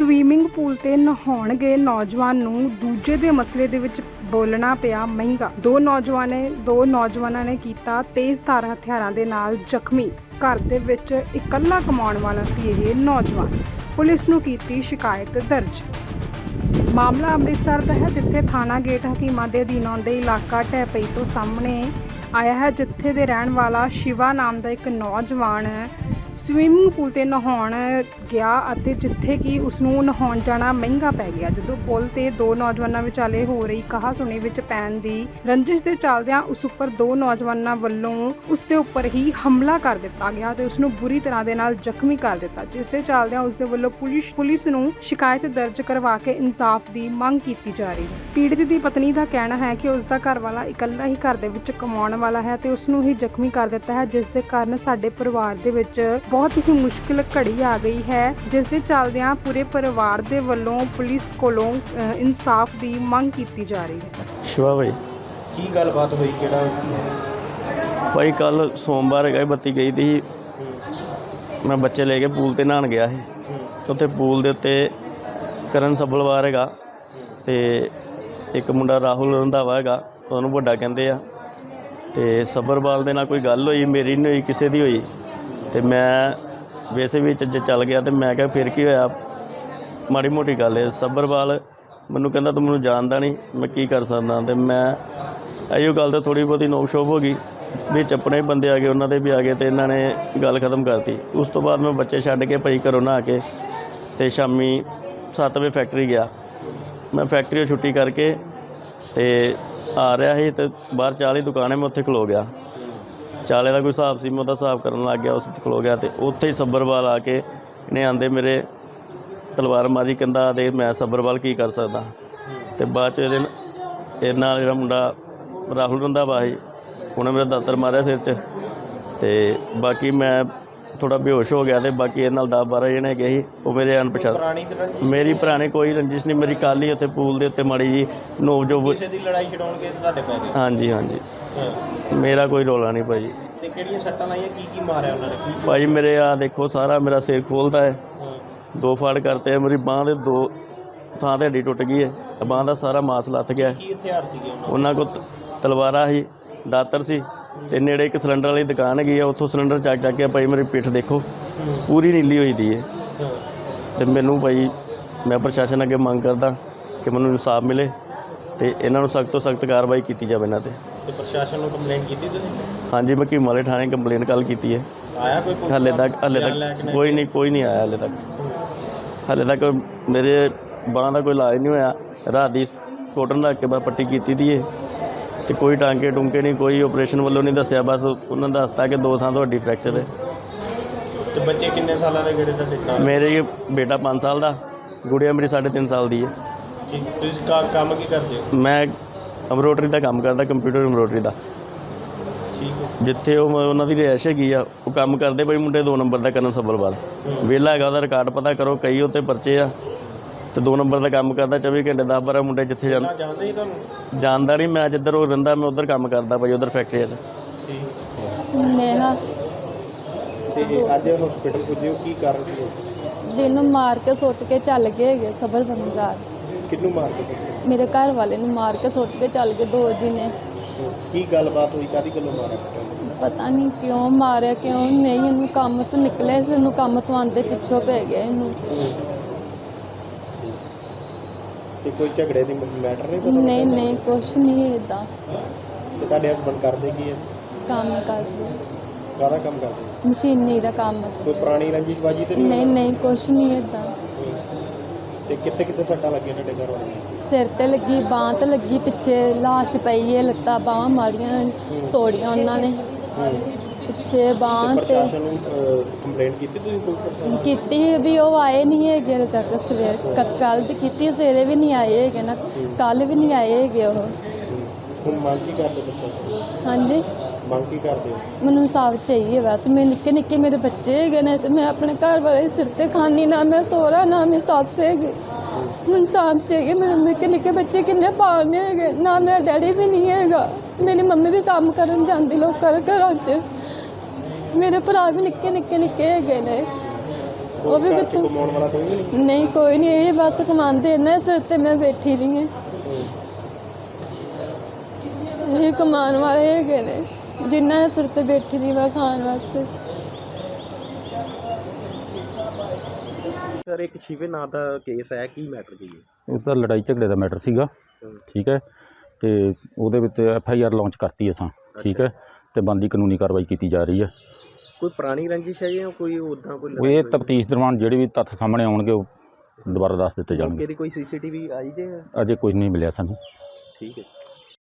Swimming pool ਤੇ ਨਹਾਉਣ ਗਏ ਨੌਜਵਾਨ ਨੂੰ ਦੂਜੇ ਦੇ ਮਸਲੇ ਦੇ ਵਿੱਚ ਬੋਲਣਾ ਪਿਆ ਮਹਿੰਗਾ। ਦੋ ਨੌਜਵਾਨਾਂ ਨੇ ਕੀਤਾ ਤੇਜ਼ਧਾਰ ਹਥਿਆਰਾਂ ਦੇ ਨਾਲ ਜ਼ਖਮੀ। ਘਰ ਦੇ ਵਿੱਚ ਇਕੱਲਾ ਕਮਾਉਣ ਵਾਲਾ ਸੀ ਇਹ ਨੌਜਵਾਨ। ਪੁਲਿਸ ਨੂੰ ਕੀਤੀ ਸ਼ਿਕਾਇਤ ਦਰਜ। ਮਾਮਲਾ ਅੰਮ੍ਰਿਤਸਰ ਦਾ ਹੈ, ਜਿੱਥੇ ਥਾਣਾ ਗੇਟ ਹਕੀਮਾਂ ਦੇ ਅਧੀਨ ਆਉਂਦੇ ਇਲਾਕਾ ਢਹਿਪਈ ਤੋਂ ਸਾਹਮਣੇ ਆਇਆ ਹੈ, ਜਿੱਥੇ ਦੇ ਰਹਿਣ ਵਾਲਾ ਸ਼ਿਵਾ ਨਾਮ ਦਾ ਇੱਕ ਨੌਜਵਾਨ ਸਵਿਮਿੰਗ ਪੂਲ ਤੇ ਨਹਾਉਣ ਗਿਆ ਅਤੇ ਜਿੱਥੇ ਕਿ ਉਸ ਨੂੰ ਨਹਾਉਣ ਜਾਣਾ ਮਹਿੰਗਾ ਪੈ ਗਿਆ। ਜਦੋਂ ਪੁਲ ਤੇ ਦੋ ਨੌਜਵਾਨਾਂ ਵਿਚਾਲੇ ਹੋ ਰਹੀ ਕਹਾ-ਸੁਣੀ ਵਿੱਚ ਪੈਣ ਦੀ ਰੰਜਿਸ਼ ਦੇ ਚੱਲਦਿਆਂ ਉਸ ਉੱਪਰ ਦੋ ਨੌਜਵਾਨਾਂ ਵੱਲੋਂ ਉਸ ਦੇ ਉੱਪਰ ਹੀ ਹਮਲਾ ਕਰ ਦਿੱਤਾ ਗਿਆ ਤੇ ਉਸ ਨੂੰ ਬੁਰੀ ਤਰ੍ਹਾਂ ਦੇ ਨਾਲ ਜ਼ਖਮੀ ਕਰ ਦਿੱਤਾ, ਜਿਸ ਦੇ ਚੱਲਦਿਆਂ ਉਸ ਦੇ ਵੱਲੋਂ ਪੁਲਿਸ ਨੂੰ ਸ਼ਿਕਾਇਤ ਦਰਜ ਕਰਵਾ ਕੇ ਇਨਸਾਫ ਦੀ ਮੰਗ ਕੀਤੀ ਜਾ ਰਹੀ ਹੈ। ਪੀੜਤ ਦੀ ਪਤਨੀ ਦਾ ਕਹਿਣਾ ਹੈ ਕਿ ਉਸ ਦਾ ਘਰ ਵਾਲਾ ਇਕੱਲਾ ਹੀ ਘਰ ਦੇ ਵਿੱਚ ਕਮਾਉਣ ਵਾਲਾ ਹੈ ਤੇ ਉਸ ਨੂੰ ਹੀ ਜ਼ਖਮੀ ਕਰ ਦਿੱਤਾ ਹੈ, ਜਿਸ ਦੇ ਕਾਰਨ ਸਾਡੇ ਪਰਿਵਾਰ ਦੇ ਵਿੱਚ ਬਹੁਤ ਹੀ ਮੁਸ਼ਕਿਲ ਘੜੀ ਆ ਗਈ ਹੈ, ਜਿਸ ਦੇ ਚੱਲਦਿਆਂ ਪੂਰੇ ਪਰਿਵਾਰ ਦੇ ਵੱਲੋਂ ਪੁਲਿਸ ਕੋਲੋਂ ਇਨਸਾਫ ਦੀ ਮੰਗ ਕੀਤੀ ਜਾ ਰਹੀ ਹੈ। ਸ਼ਿਵਾ ਭਾਈ, ਕੀ ਗੱਲਬਾਤ ਹੋਈ? ਕਿਹੜਾ ਭਾਈ ਕੱਲ ਸੋਮਵਾਰ ਹੈਗਾ, ਬੱਤੀ ਗਈ ਦੀ। ਮੈਂ ਬੱਚੇ ਲੈ ਕੇ ਪੂਲ ਤੇ ਨਹਾਉਣ ਗਿਆ ਸੀ। ਉੱਥੇ ਪੂਲ ਦੇ ਉੱਤੇ ਕਰਨ ਸੱਭਲਵਾਰ ਹੈਗਾ ਤੇ ਇੱਕ ਮੁੰਡਾ ਰਾਹੁਲ ਰੰਧਾਵਾ ਹੈਗਾ, ਉਹਨੂੰ ਵੱਡਾ ਕਹਿੰਦੇ ਆ। ਤੇ ਸੱਭਰਵਾਲ ਦੇ ਨਾਲ ਕੋਈ ਗੱਲ ਹੋਈ, ਮੇਰੀ ਨਹੀਂ ਹੋਈ, ਕਿਸੇ ਦੀ ਹੋਈ। ਤੇ ਮੈਂ ਵੈਸੇ ਵੀ ਚੱਲ ਗਿਆ ਤੇ ਮੈਂ ਕਿਹਾ ਫਿਰ ਕੀ ਹੋਇਆ, ਮਾੜੀ ਮੋਟੀ ਗੱਲ ਹੈ। ਸੱਭਰਵਾਲ ਮੈਨੂੰ ਕਹਿੰਦਾ ਤੂੰ ਮੈਨੂੰ ਜਾਣਦਾ ਨਹੀਂ, ਮੈਂ ਕੀ ਕਰ ਸਕਦਾ। ਤੇ ਮੈਂ ਇਹੋ ਗੱਲ ਤੇ ਥੋੜ੍ਹੀ ਬਹੁਤੀ ਨੋਕ ਸ਼ੋਕ ਹੋ ਗਈ, ਵਿੱਚ ਆਪਣੇ ਬੰਦੇ ਆ ਗਏ, ਉਹਨਾਂ ਦੇ ਵੀ ਆ ਗਏ ਤੇ ਇਹਨਾਂ ਨੇ ਗੱਲ ਖਤਮ ਕਰਤੀ। ਉਸ ਤੋਂ ਬਾਅਦ ਮੈਂ ਬੱਚੇ ਛੱਡ ਕੇ ਭਾਈ ਘਰੋਂ ਨਹਾ ਕੇ ਤੇ ਸ਼ਾਮੀ 7 ਵਜੇ ਫੈਕਟਰੀ ਗਿਆ। ਮੈਂ ਫੈਕਟਰੀੋਂ ਛੁੱਟੀ ਕਰਕੇ ਤੇ ਆ ਰਿਹਾ ਸੀ ਤੇ ਬਾਹਰ ਚਾਹ ਦੀ ਦੁਕਾਨ ਹੈ, ਮੈਂ ਉੱਥੇ ਖਲੋ ਗਿਆ। ਚਾਲੇ ਦਾ ਕੋਈ ਹਿਸਾਬ ਸੀ, ਮੈਂ ਉਹਦਾ ਹਿਸਾਬ ਕਰਨ ਲੱਗ ਗਿਆ, ਉਸ ਖਲੋ ਗਿਆ। ਤੇ ਉੱਥੇ ਹੀ ਸੱਭਰਵਾਲ ਆ ਕੇ ਇਹਨੇ ਆਂਦੇ ਮੇਰੇ ਤਲਵਾਰ ਮਾਰੀ, ਕਹਿੰਦਾ ਦੇ ਮੈਂ ਸੱਭਰਵਾਲ ਕੀ ਕਰ ਸਕਦਾ। ਤੇ ਬਾਅਦ 'ਚ ਇਹਦੇ ਨਾਲ ਜਿਹੜਾ ਮੁੰਡਾ ਰਾਹੁਲ ਰੰਧਾਵਾ ਸੀ, ਉਹਨੇ ਮੇਰਾ ਦਾਤਰ ਮਾਰਿਆ ਸਿਰ 'ਚ। ਤੇ ਬਾਕੀ ਮੈਂ ਥੋੜ੍ਹਾ ਬੇਹੋਸ਼ ਹੋ ਗਿਆ। ਤੇ ਬਾਕੀ ਇਹਦੇ ਨਾਲ 10-12 ਜਣੇ ਹੈਗੇ ਸੀ, ਉਹ ਮੇਰੇ ਅਣਪਛਾਤੇ। ਮੇਰੀ ਪੁਰਾਣੀ ਕੋਈ ਰੰਜਿਸ਼ ਨਹੀਂ, ਮੇਰੀ ਕੱਲ੍ਹ ਹੀ ਉੱਥੇ ਪੂਲ ਦੇ ਉੱਤੇ ਮਾੜੀ ਜੀ ਨੋਕ ਜੋ ਕਿਸੇ ਦੀ ਲੜਾਈ ਛਡਾਉਣ ਕੇ ਤੁਹਾਡੇ ਪੈ ਗਏ? ਹਾਂਜੀ ਹਾਂਜੀ, ਮੇਰਾ ਕੋਈ ਰੌਲਾ ਨਹੀਂ ਭਾਈ। ਤੇ ਕਿਹੜੀਆਂ ਸੱਟਾਂ ਲਾਈਆਂ, ਕੀ ਮਾਰਿਆ ਉਹਨਾਂ ਨੇ? ਭਾਈ ਮੇਰੇ ਆ ਦੇਖੋ, ਸਾਰਾ ਮੇਰਾ ਸਿਰ ਖੋਲਦਾ ਹੈ, 2 ਫਾੜ ਕਰਤੇ। ਮੇਰੀ ਬਾਂਹ ਦੇ 2 ਥਾਂ ਤੇ ਹੱਡੀ ਟੁੱਟ ਗਈ ਹੈ, ਬਾਂਹ ਦਾ ਸਾਰਾ ਮਾਸ ਲੱਥ ਗਿਆ। ਕੀ ਹਥਿਆਰ ਸੀਗੇ ਉਹਨਾਂ ਕੋਲ? ਤਲਵਾਰਾਂ ਸੀ, ਦਾਤਰ ਸੀ, ਤੇ ਨੇੜੇ ਇੱਕ ਸਿਲੰਡਰ ਵਾਲੀ ਦੁਕਾਨ ਹੈਗੀ ਆ, ਉੱਥੋਂ ਸਿਲੰਡਰ ਚੱਕ ਕੇ ਭਾਈ ਮੇਰੀ ਪਿੱਠ ਦੇਖੋ ਪੂਰੀ ਨੀਲੀ ਹੋਈ ਦੀ ਹੈ। ਤੇ ਮੈਨੂੰ ਭਾਈ ਮੈਂ ਪ੍ਰਸ਼ਾਸਨ ਅੱਗੇ ਮੰਗ ਕਰਦਾ ਕਿ ਮੈਨੂੰ ਇਨਸਾਫ ਮਿਲੇ ਤੇ ਇਹਨਾਂ ਨੂੰ ਸਖਤ ਤੋਂ ਸਖਤ ਕਾਰਵਾਈ ਕੀਤੀ ਜਾਵੇ ਇਹਨਾਂ 'ਤੇ। ਤੇ ਪ੍ਰਸ਼ਾਸਨ ਨੂੰ ਕੰਪਲੇਂਟ ਕੀਤੀ ਤੁਸੀਂ? ਹਾਂਜੀ, ਮੈਂ ਹਕੀਮ ਵਾਲੇ ਥਾਣੇ ਕੰਪਲੇਂਟ ਕੱਲ੍ਹ ਕੀਤੀ ਹੈ। ਆਇਆ ਕੋਈ? ਹਾਲੇ ਤੱਕ ਕੋਈ ਨਹੀਂ ਆਇਆ। ਹਾਲੇ ਤੱਕ ਮੇਰੇ ਬਾਂਹ ਦਾ ਕੋਈ ਇਲਾਜ ਨਹੀਂ ਹੋਇਆ। ਰਾਤ ਦੀ ਕੋਟਨ ਰੱਖ ਕੇ ਬਸ ਪੱਟੀ ਕੀਤੀ ਦੀ ਹੈ ਤੇ ਕੋਈ ਟਾਂਕੇ ਟੁੰਕੇ ਨਹੀਂ, ਕੋਈ ਆਪਰੇਸ਼ਨ ਵੱਲੋਂ ਨਹੀਂ ਦੱਸਿਆ। ਬਸ ਉਹਨਾਂ ਨੇ ਦੱਸਤਾ ਕਿ 2 ਥਾਂ ਤੋਂ ਹੱਡੀ ਫ੍ਰੈਕਚਰ ਹੈ। ਤੇ ਬੱਚੇ ਕਿੰਨੇ ਸਾਲਾਂ ਦੇ ਜਿਹੜੇ ਤੁਹਾਡੇ ਨਾਲ? ਮੇਰੇ ਬੇਟਾ 5 ਸਾਲ ਦਾ, ਗੁੜੀਆ ਮੇਰੀ 3.5 ਸਾਲ ਦੀ ਹੈ। ਠੀਕ, ਤੁਸੀਂ ਕੰਮ ਕੀ ਕਰਦੇ ਹੋ? ਮੈਂ ਐਮਬਰੋਡਰੀ ਦਾ ਕੰਮ ਕਰਦਾ, ਕੰਪਿਊਟਰ ਐਮਬਰੋਡਰੀ ਦਾ। ਠੀਕ ਹੈ। ਜਿੱਥੇ ਉਹਨਾਂ ਦੀ ਰਿਹਾਇਸ਼ ਹੈਗੀ ਆ, ਉਹ ਕੰਮ ਕਰਦੇ ਬਈ ਮੁੰਡੇ 2 ਨੰਬਰ ਦਾ ਕਰਨ ਸੱਭਰਵਾਲ। ਵਿਹਲਾ ਹੈਗਾ, ਉਹਦਾ ਰਿਕਾਰਡ ਪਤਾ ਕਰੋ, ਕਈ ਉੱਤੇ ਪਰਚੇ ਆ। ਤੇ 2 ਨੰਬਰ ਦਾ ਕੰਮ ਕਰਦਾ 24 ਘੰਟੇ, 10-12 ਮੁੰਡੇ ਜਿੱਥੇ ਜਾਣਦੇ ਹੀ ਤੁਹਾਨੂੰ? ਜਾਣਦਾ ਨਹੀਂ, ਮੈਂ ਜਿੱਧਰ ਉਹ ਰਹਿੰਦਾ ਮੈਂ ਉੱਧਰ ਕੰਮ ਕਰਦਾ ਭਾਈ, ਉੱਧਰ ਫੈਕਟਰੀ 'ਚ। ਨੇਹਾ। ਤੇ ਅੱਜ ਹਸਪੀਟਲ ਪੁੱਜੇ ਹੋ, ਕੀ ਕਾਰਨ ਸੀ? ਦਿਨ ਮਾਰ ਕੇ ਸੁੱਟ ਕੇ ਚੱਲ ਗਏ ਹੈਗੇ ਸਬਰ ਬੰਗਾਰ। ਕਿਹਨੂੰ ਮਾਰ ਕੇ? ਮੇਰੇ ਘਰ ਵਾਲੇ ਨੂੰ ਮਾਰ ਕੇ ਸੁੱਟ ਕੇ ਚੱਲ ਗਏ 2 ਦਿਨ। ਕੀ ਗੱਲਬਾਤ ਹੋਈ, ਕਾਹਦੀ ਗੱਲੋਂ ਮਾਰਿਆ? ਪਤਾ ਨਹੀਂ ਕਿਉਂ ਮਾਰਿਆ, ਕਿਉਂ ਨਹੀਂ। ਇਹਨੂੰ ਕੰਮ ਤੋਂ ਨਿਕਲੇ ਸੀ, ਇਹਨੂੰ ਕੰਮ ਤੋਂ ਆਉਂਦੇ ਪਿੱਛੋਂ ਪੈ ਗਿਆ ਇਹਨੂੰ। ਤੇ ਕੋਈ ਝਗੜੇ ਦੀ ਮੈਟਰ ਨਹੀਂ ਪਤਾ? ਨਹੀਂ ਕੁਛ ਨਹੀਂ ਇੱਦਾਂ। ਤੇ ਤੁਹਾਡੇ ਹਸਬੰਦ ਕਰਦੇ ਕੀ ਹੈ? ਕੰਮ ਕਰਦੇ, ਕਾਹਦਾ ਕੰਮ ਕਰਦੇ? ਮਸ਼ੀਨੀ ਦਾ ਕੰਮ। ਕੋਈ ਪੁਰਾਣੀ ਰੰਜਿਸ਼ਬਾਜੀ ਤੇ ਨਹੀਂ ਕੁਛ ਨਹੀਂ ਇੱਦਾਂ। ਤੇ ਕਿੱਥੇ ਸੱਟਾਂ ਲੱਗੀਆਂ ਤੁਹਾਡੇ ਘਰ ਵਾਲੇ? ਸਿਰ ਤੇ ਲੱਗੀ, ਬਾਂਹ ਤੇ ਲੱਗੀ, ਪਿੱਛੇ ਲਾਸ਼ ਪਈ ਹੈ, ਲੱਤਾਂ ਬਾਹਾਂ ਮਾਰੀਆਂ ਤੋੜੀਆਂ ਉਹਨਾਂ ਨੇ, ਪਿੱਛੇ ਬਾਂਹ ਤੇ। ਪ੍ਰਸ਼ਾਸਨ ਨੂੰ ਕੰਪਲੇਂਟ ਕੀਤੀ ਤੁਸੀਂ? ਕੋਈ ਕੀਤੀ ਵੀ ਉਹ ਆਏ ਨਹੀਂ ਹੈਗੇ ਹਾਲੇ ਤੱਕ। ਸਵੇਰ ਕੱਲ੍ਹ ਦੀ ਕੀਤੀ, ਸਵੇਰੇ ਵੀ ਨਹੀਂ ਆਏ ਹੈਗੇ ਨਾ, ਕੱਲ੍ਹ ਵੀ ਨਹੀਂ ਆਏ ਹੈਗੇ ਉਹ। ਹੁਣ ਮੰਗ ਕੀ ਕਰਦੇ ਪ੍ਰਸ਼ਾਸਨ? ਹਾਂਜੀ, ਮੰਗ ਕੀ ਕਰਦੇ ਹੋ? ਮੈਨੂੰ ਇਨਸਾਫ ਚਾਹੀਏ ਬਸ। ਮੈਂ ਨਿੱਕੇ ਮੇਰੇ ਬੱਚੇ ਹੈਗੇ ਨੇ ਤੇ ਮੈਂ ਆਪਣੇ ਘਰ ਵਾਲੇ ਸਿਰ ਤੇ ਖਾਨੀ, ਨਾ ਮੈਂ ਸਹੁਰਾ ਨਾ ਮੈਂ ਸੱਸ ਹੈਗੀ। ਮੈਨੂੰ ਇਨਸਾਫ ਚਾਹੀਏ। ਮੇਰੇ ਨਿੱਕੇ ਬੱਚੇ ਕਿੰਨੇ ਪਾਲਣੇ ਹੈਗੇ, ਨਾ ਮੇਰਾ ਡੈਡੀ ਵੀ ਨਹੀਂ ਹੈਗਾ। ਮੇਰੀ ਮੰਮੀ ਵੀ ਕੰਮ ਕਰਨ ਜਾਂਦੀ ਲੋਕਾਂ ਦੇ ਘਰਾਂ 'ਚ। ਮੇਰੇ ਭਰਾ ਵੀ ਨਿੱਕੇ ਹੈਗੇ ਨੇ। ਉਹ ਵੀ ਘਰ 'ਚ ਕਿੱਥੋਂ ਕਮਾਉਣ ਵਾਲਾ ਕੋਈ ਵੀ ਨਹੀਂ? ਨਹੀਂ ਕੋਈ ਨਹੀਂ, ਇਹ ਬਸ ਕਮਾਉਂਦੇ ਇਹਨਾਂ ਸਿਰ ਤੇ ਮੈਂ ਬੈਠੀ ਰਹੀ ਹਾਂ। ਇਹ ਕਮਾਉਣ ਵਾਲੇ ਹੈਗੇ ਨੇ ਜਿਨ੍ਹਾਂ ਦੇ ਸਿਰ ਤੇ ਬੈਠੀ ਰਹੀ ਮੈਂ ਖਾਣ ਵਾਸਤੇ। ਸਰ ਇੱਕ ਸ਼ਿਵੇ ਨਾਂ ਦਾ ਕੇਸ ਹੈ, ਕੀ ਮੈਟਰ ਕੀ ਹੈ? ਉਹ ਤਾਂ ਲੜਾਈ ਝਗੜੇ ਦਾ ਮੈਟਰ ਸੀਗਾ, ਠੀਕ ਹੈ। ਤੇ ਉਹਦੇ ਵਿੱਚ FIR ਲਾਂਚ ਕਰਤੀ ਅਸਾਂ, ਠੀਕ ਹੈ। ਤੇ ਬਣਦੀ ਕਾਨੂੰਨੀ ਕਾਰਵਾਈ ਕੀਤੀ ਜਾ ਰਹੀ ਹੈ। ਕੋਈ ਪੁਰਾਣੀ ਰੰਜਿਸ਼ ਹੈ ਜਾਂ ਕੋਈ ਉੱਦਾਂ ਕੋਈ ਉਹ ਇਹ ਤਫਤੀਸ਼ ਦੌਰਾਨ ਜਿਹੜੇ ਵੀ ਤੱਥ ਸਾਹਮਣੇ ਆਉਣਗੇ ਉਹ ਦੁਬਾਰਾ ਦੱਸ ਦਿੱਤੇ ਜਾਣਗੇ। ਮੌਕੇ ਦੀ ਕੋਈ CCTV ਆਈ ਜੇ? ਅਜੇ ਕੁਝ ਨਹੀਂ ਮਿਲਿਆ ਸਾਨੂੰ। ਠੀਕ ਹੈ।